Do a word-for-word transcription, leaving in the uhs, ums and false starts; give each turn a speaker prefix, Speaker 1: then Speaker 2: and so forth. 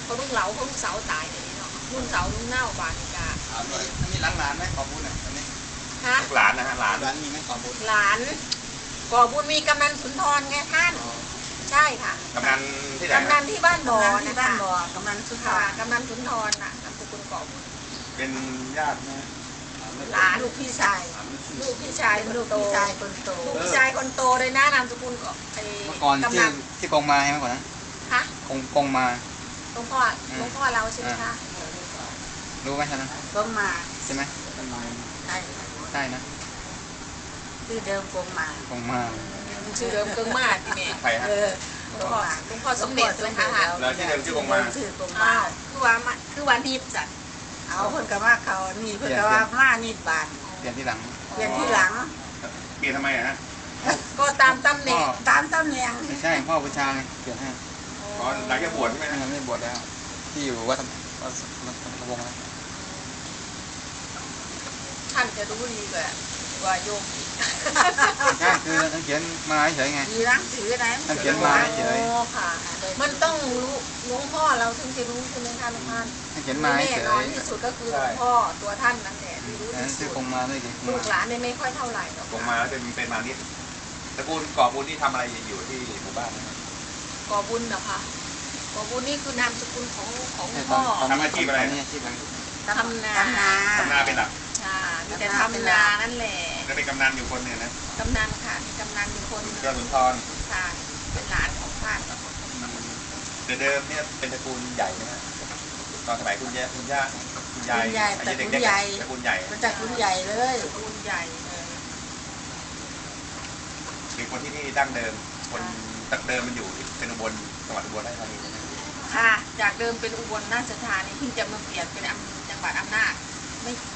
Speaker 1: เขาลุงเหลาเขาลุงเสาตายเลยเนาะลุงเสาลุงเน่าบานกา
Speaker 2: อันนี้หลานหลานไหมขอบุญอ่ะอันนี้
Speaker 1: ฮะ
Speaker 2: หลานนะฮะหลานหลานมีไหมขอบุญ
Speaker 1: หลานก่อบุญมีกำนันสุนทรไงท่านใช่ค่ะ
Speaker 2: กำนันที่ไหน
Speaker 1: กำนันที่บ้านบ่อนะ
Speaker 3: บ้า
Speaker 1: คะ
Speaker 3: นบ่อกำนันสุนทร
Speaker 1: กำนันสุนทรน่ะนามสกุลก่อบุญ
Speaker 2: เป็นญาตินะ
Speaker 1: หลานลูกพี่ชายลูกพี่ชาย
Speaker 3: ลูกพี่ชายคนโต
Speaker 1: ลูกพี่ชายคนโตเลยนะนามสกุลก็ไอ้
Speaker 2: เมื่อก่อนที่ที่กงมาใช่ไหมก่อนนะ
Speaker 1: ฮะ
Speaker 2: กงกงมา
Speaker 1: หลวงพ่อหลวงพ่อเราใช่ไหมคะ
Speaker 2: รู้ไหมท่านนะ
Speaker 3: กงมา
Speaker 2: ใช่ไหม
Speaker 3: ใช่
Speaker 2: ใช่นะ
Speaker 3: ชื่อเดิมกงมาก
Speaker 2: งมา
Speaker 1: ชื่อเดิมกงมาที่นี่
Speaker 2: ใครฮะ
Speaker 1: หลวงพ่อหลวงพ่อสมเด็จใช่ไหมคะ
Speaker 2: แล้วชื่อเดิมชื่อกงมา
Speaker 3: ชื่อกง
Speaker 1: มา
Speaker 3: มา
Speaker 1: คือว่าคือวันนี้จัด
Speaker 3: เอาเพิ่นกับว่าเขานี่เพิ่นกับว่ามานี่บาน
Speaker 2: เปลี่ยนที่หลัง
Speaker 3: เปลี่ยนที่หลัง
Speaker 2: เปลี่ยนทำไมอะฮะ
Speaker 1: ก็ตามตำแหน่ง
Speaker 3: ตามตำแหน่ง
Speaker 2: ไม่ใช่พ่อบูชาไงเปลี่ยนให้ตอนหลังจากบวชใช่ไหมไม่บวชแล้วที่อยู่วัดวัดวัดวงแล้ว
Speaker 1: ท่านจะรู้ดีกว่าว่าโยม
Speaker 2: ใช่คือท่านเขียนมาเฉยไง
Speaker 3: มีหนังสือไหน
Speaker 2: ท่านเขียนมาเฉย
Speaker 1: ค่ะมันต้องรู้หลวงพ่อเราถึงจะรู้ใช่ไหมคะหลวงพ่อ
Speaker 2: ท่านเขียนมาเฉย
Speaker 1: แน่นอนที่สุดก็คือหลวงพ่อตัวท่านนั่นแหละที่รู้ที่สุด
Speaker 2: กงมาด้วย
Speaker 1: ลูกหลานเนี่ยไม่ค่อยเท่าไหร่
Speaker 2: กงมาแล้วเป็นเป็นมานิดตระกูลก่อบุญที่ทำอะไรอยู่ที่หมู่บ้าน
Speaker 1: ก่อบุญเหรอคะก่อบุญนี่คือนามสกุลของของพ่อ
Speaker 2: ทำอาชีพอะไรนี่อาชีพอะไร
Speaker 1: ทำนา
Speaker 2: ทำนาเป็นหลัก
Speaker 1: ใช่มีแต่ทำนานั่นแหละ
Speaker 2: แล้วเป็นกำนันอยู่คนหนึ่งนะ
Speaker 1: กำนันค่ะมีกำนันอยู่คน
Speaker 2: เจ้าสุนทร
Speaker 1: ค่ะเป็นหลานของท่าน
Speaker 2: เดิมเนี่ยเป็นตระกูลใหญ่นะตอนสมัยคุณย่าคุณย่าคุณยาย
Speaker 3: ตระกูลใหญ่
Speaker 2: ตระกูลใหญ่
Speaker 3: ตระกูลใหญ่เลย
Speaker 1: ตระกูลใหญ่เลย
Speaker 2: เป็นคนที่นี่ดั้งเดิมคนตักเดิมมันอยู่เป็นอุบลจังหวัดอุบลราชธานีนะ
Speaker 1: ค่ะจากเดิมเป็นอุบลราชธานีเพิ่งจะมาเปลี่ยนเป็นจังหวัดอำนาจไม่